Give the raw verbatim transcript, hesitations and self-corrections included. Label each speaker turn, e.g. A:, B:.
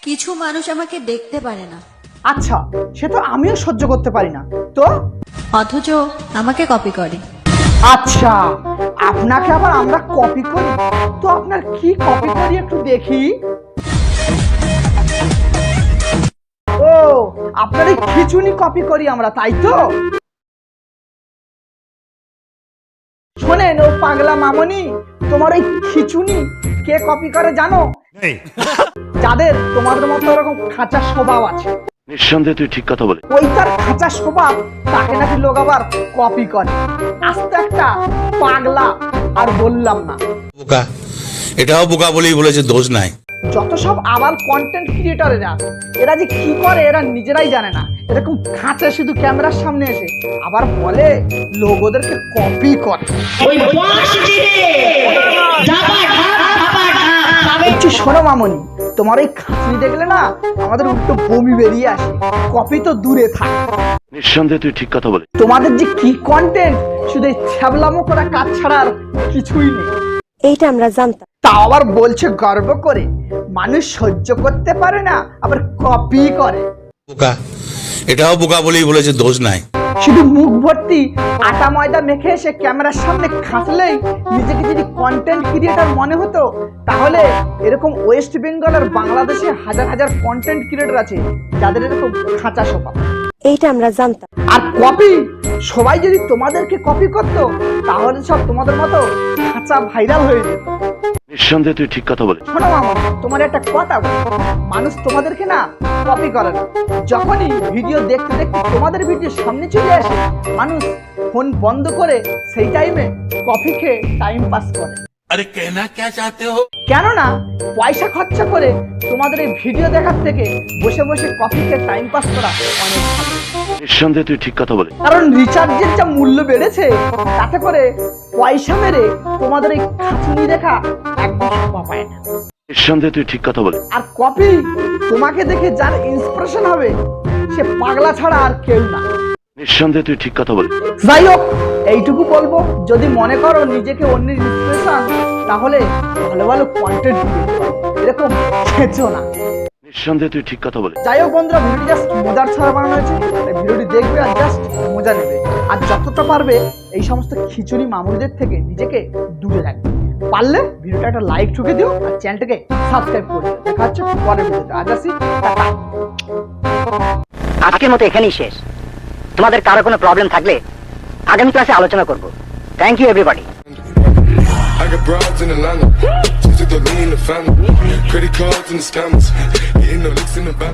A: কিছু মানুষ আমাকে দেখতে পারে না,
B: আচ্ছা, সে তো আমিও সহ্য করতে পারি না, তো
A: অথচ আমাকে কপি করে।
B: আচ্ছা, আপনাকে আবার আমরা কপি করি? তো আপনার কি কপি করি একটু দেখি। ও, আপনার এই খিচুনি কপি করি আমরা, তাই তো? শোনেন ও পাগলা মামনি, তোমার এই খিচুনি কে কপি করে জানো? যাদের তোমাদের মতো এরকম খাঁচা স্বভাব আছে।
C: নিঃসন্দেহে তুই ঠিক কথা বলে।
B: ওই তার খাঁচা স্বভাব, তাকে নাকি লোক আবার কপি করে। আস্তে একটা পাগলা, আর বললাম না।
D: বোকা, এটাও বোকা বলেই বলেছে, দোষ নাই।
B: যত সব আবার কন্টেন্ট ক্রিয়েটরেরা, এরা যে কি করে এরা নিজেরাই জানে না। এরকম খাঁচা শুধু ক্যামেরার সামনে এসে আবার বলে লোক ওদেরকে কপি করে। একটু শোনো মামনি, তোমার এই খাঁচি দেখলে না আমাদের উল্টো বমি বেরিয়ে আসে। কপি তো দূরে থাক।
C: নিঃসন্দেহে তুই ঠিক কথা বলে।
B: তোমাদের যে কি কন্টেন্ট, শুধু ছ্যাবলামো করা কাজ ছাড়া আর কিছুই নেই।
E: এইটা আমরা জানতাম।
B: তা আবার বলছে গর্ব করে মানুষ সহ্য করতে পারে না, আবার কপি করে।
D: বোকা, এটাও বোকা বলেই বলেছে, দোষ নাই।
B: শুধু মুখ ভর্তি আটা ময়দা মেখে এসে ক্যামেরার সামনে খাঁচলেই নিজেকে যদি কন্টেন্ট ক্রিয়েটর মনে হতো, তাহলে এরকম ওয়েস্ট বেঙ্গল আর বাংলাদেশে হাজার হাজার কন্টেন্ট ক্রিয়েটর আছে যাদের এরকম খাঁচা স্বভাব।
E: এইটা আমরা জানতাম।
B: আর কপি, সবাই যদি তোমাদেরকে কপি করতো, তাহলে সব তোমাদের মতো খাঁচা ভাইরাল হয়ে যেত।
C: নিঃসন্দেহে তুই ঠিক কথা বলে।
B: শোনো মামা, তোমার একটা কথা বলি, মানুষ তোমাদেরকে না কপি করে না। যখনই ভিডিও দেখতে দেখতে তোমাদের ভিডিও সামনে চলে আসে, মানুষ ফোন বন্ধ করে সেই টাইমে কফি খেয়ে টাইম পাস করে।
D: আরে কেনা কে চাতে হো?
B: কেননা পয়সা খরচা করে তোমাদের এই ভিডিও দেখার থেকে বসে বসে কফি খেয়ে টাইম পাস করা অনেক ভালো।
C: নিঃসন্দেহে তুই ঠিক কথা বলে।
B: কারণ রিচার্জের যা মূল্য বেড়েছে, তাতে করে পয়সা মেরে তোমাদের এই খাঁচুনি দেখা একদম শোভা পায় না।
C: নিঃসন্দেহে তুই ঠিক কথা বলে।
B: আর কপি, তোমাকে দেখে যার ইন্সপিরেশন হবে সে পাগলা ছাড়া আর কেউ না।
C: নিঃসন্দেহে তুই ঠিক কথা বলে।
B: যাই হোক, এইটুকু বলবো, যদি মনে করো নিজেকে অন্যের ইন্সপিরেশন, তাহলে ভালো ভালো কন্টেন্ট এরকম খেঁচো না।
C: নিঃসন্দেহে তুই ঠিক কথা বলে।
B: যাই হোক বন্ধুরা, ভিডিওটি জাস্ট মজার ছাড়া বানানো হয়েছে, তাই ভিডিওটি দেখবে আর জাস্ট মজা নেবে। আর যতটা পারবে এই সমস্ত খিচুড়ি মামুনিদের থেকে নিজেকে দূরে রাখবে। পারলে ভিডিওটা একটা লাইক ঠুকে দিও আর চ্যানেলটাকে সাবস্ক্রাইব করে দিও। দেখা হচ্ছে পরের ভিডিওতে। আজ আসি, টাটা।
F: আজকের মতো এখানেই শেষ। তোমাদের কারো কোনো প্রবলেম থাকলে আগামী ক্লাসে আলোচনা করব। Thank you everybody.
G: I got broads in Atlanta, just took the lean in the family, credit cards and the scammers, hitting the licks in the back.